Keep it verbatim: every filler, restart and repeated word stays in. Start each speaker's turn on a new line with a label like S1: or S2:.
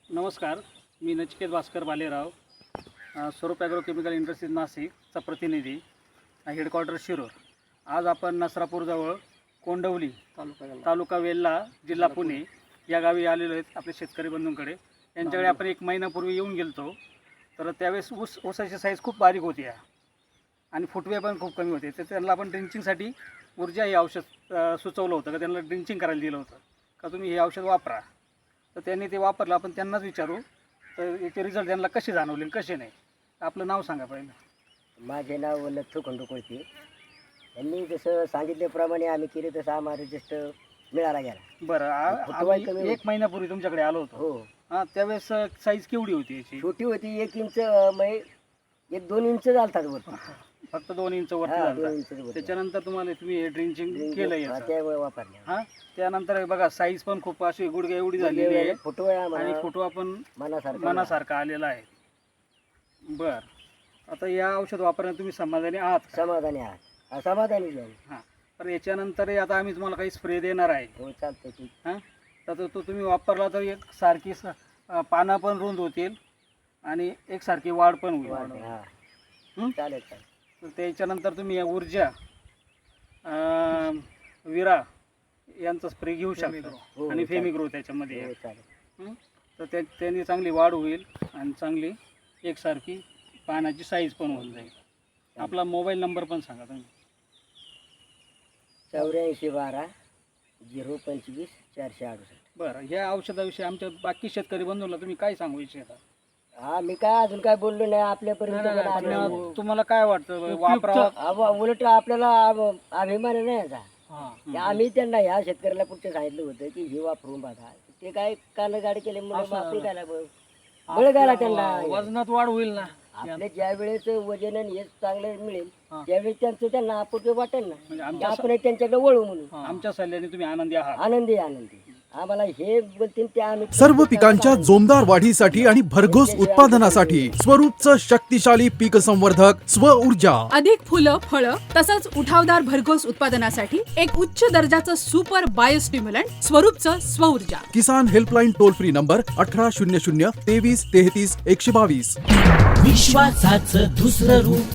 S1: नमस्कार, मी नचिकेत भास्कर बालेराव, अ, स्वरूप ॲग्रोकेमिकल इंडस्ट्रीज नाशिकचा प्रतिनिधी, हेडक्वार्टर शिरूर. आज आपण नसरापूरजवळ कोंडवली तालुका तालुका वेल्हा जिल्हा पुणे या गावी आलेलो आहेत आपल्या शेतकरी बंधूंकडे. यांच्याकडे आपण एक महिन्यापूर्वी येऊन गेलतो. तर त्यावेळेस ऊस ऊसाची साईज खूप बारीक होती आणि फुटवे पण खूप कमी होते. तर त्यांना आपण ड्रिंचिंगसाठी ऊर्जा हे औषध अ, सुचवलं होतं का त्यांना ड्रिंचिंग करायला दिलं होतं का तुम्ही हे औषध वापरा. तर त्यांनी ते वापरलं. आपण त्यांनाच विचारू तर याचे रिझल्ट त्यांना कसे जाणवले आणि कसे नाही. आपलं नाव सांगा पहिलं.
S2: माझे नाव लथू खंडू कोळपे. यांनी जसं सांगितल्याप्रमाणे आम्ही केले तसं आम्हाला रिजल्ट मिळाला गेला.
S1: बरं, आ-
S2: फुटवा
S1: आम्ही
S2: कमी
S1: एक महिन्यापूर्वी तुमच्याकडे आलो होतो.
S2: हो,
S1: हां, त्यावेळेस साईज केवढी होती याची?
S2: छोटी होती, एक इंच अं, म्हणजे एक दोन इंच झालतात वरती.
S1: फक्त दोन इंच वरती
S2: हा, दोन
S1: झालं.
S2: इंच वरती.
S1: त्याच्यानंतर तुम्हाला तुम्ही ड्रिंचिंग केलं
S2: हा,
S1: याचं.
S2: त्यामुळे वापरले.
S1: हां, त्यानंतर हे बघा साईज पण खूप अशी गुडघ्या एवढी झालेली आहे
S2: फुटवा
S1: आणि
S2: आम्हाला
S1: फुटवा पण
S2: मनासारखा
S1: मनासारखा आलेला आहे. बर, आता या औषध वापरण्यात तुम्ही समाधानी आहात का?
S2: समाधानी आहात. हा, समाधानी झाले.
S1: हां, तर याच्यानंतर आता आम्ही तुम्हाला काही स्प्रे देणार आहे.
S2: हो, चालतं की.
S1: हां, तर तो तो तुम्ही वापरला तर एक सारखी स- अं, पानं पण रुंद होतील आणि एकसारखी वाढ पण होईल.
S2: वाढले. हा,
S1: हं?
S2: चालेल चालेल.
S1: तर त्याच्यानंतर तुम्ही या ऊर्जा अं, विरा यांचा स्प्रे घेऊ शकता
S2: हो,
S1: आणि
S2: चालेल.
S1: फेमिग्रो त्याच्यामध्ये
S2: हो,
S1: आहे.
S2: चालेल.
S1: हं? तर त्या त्यांनी चांगली वाढ होईल आणि चांगली एकसारखी पानाची साईज पण होऊन जाईल. आपला मोबाईल नंबर पण सांगा तुम्ही.
S2: चौऱ्याऐंशी बारा झिरो पंचवीस चारशे अडुसष्ट.
S1: बरं, ह्या औषधाविषयी आमच्या बाकी शेतकरी बंधूंना तुम्ही काय सांगू इच्छिता?
S2: हा, मी काय अजून काय बोललो नाही. आपल्यापर्यंत पण आलं नाही.
S1: तुम्हाला- तुम्हाला काय वाटतं वापरा?
S2: अहो, उलट आपल्याला अभ- अभिमान आहे ना याचा. की आम्ही त्यांना ह्या शेतकऱ्याला पुढचं सांगितलं होतं की हे वापरून बघा. ते काय कान गाडी केले म्हणून वापरून काय बळ घाला त्यांना.
S1: वजनात वाढ होईल ना.
S2: आपले ज्या वेळेस वजन आणि हे चांगलं मिळेल त्यावेळेस त्यांचं त्यांना आपण वाटेल ना
S1: म्हणजे
S2: की
S1: आमच्या
S2: आपण त्यांच्याकडे वळू म्हणून.
S1: आमच्या सल्ल्याने तुम्ही आनंदी आहात.
S2: आनंदी आनंदी आम्हाला हे बोलतील ते आम्ही
S3: सर्व पिकांच्या जोमदार वाढीसाठी आणि भरघोस उत्पादनासाठी स्वरूपचं शक्तिशाली पीक संवर्धक स्व ऊर्जा.
S4: अधिक फुलं फळं तसंच उठावदार भरघोस उत्पादनासाठी एक उच्च दर्जाचं सुपर बायोस्टिम्युलंट स्वरूपचं स्वऊर्जा.
S3: किसान हेल्पलाईन टोल फ्री नंबर अठरा शून्य शून्य तेवीस तेहतीस एकशे बावीस.
S5: विश्वासाचं दुसरं रूप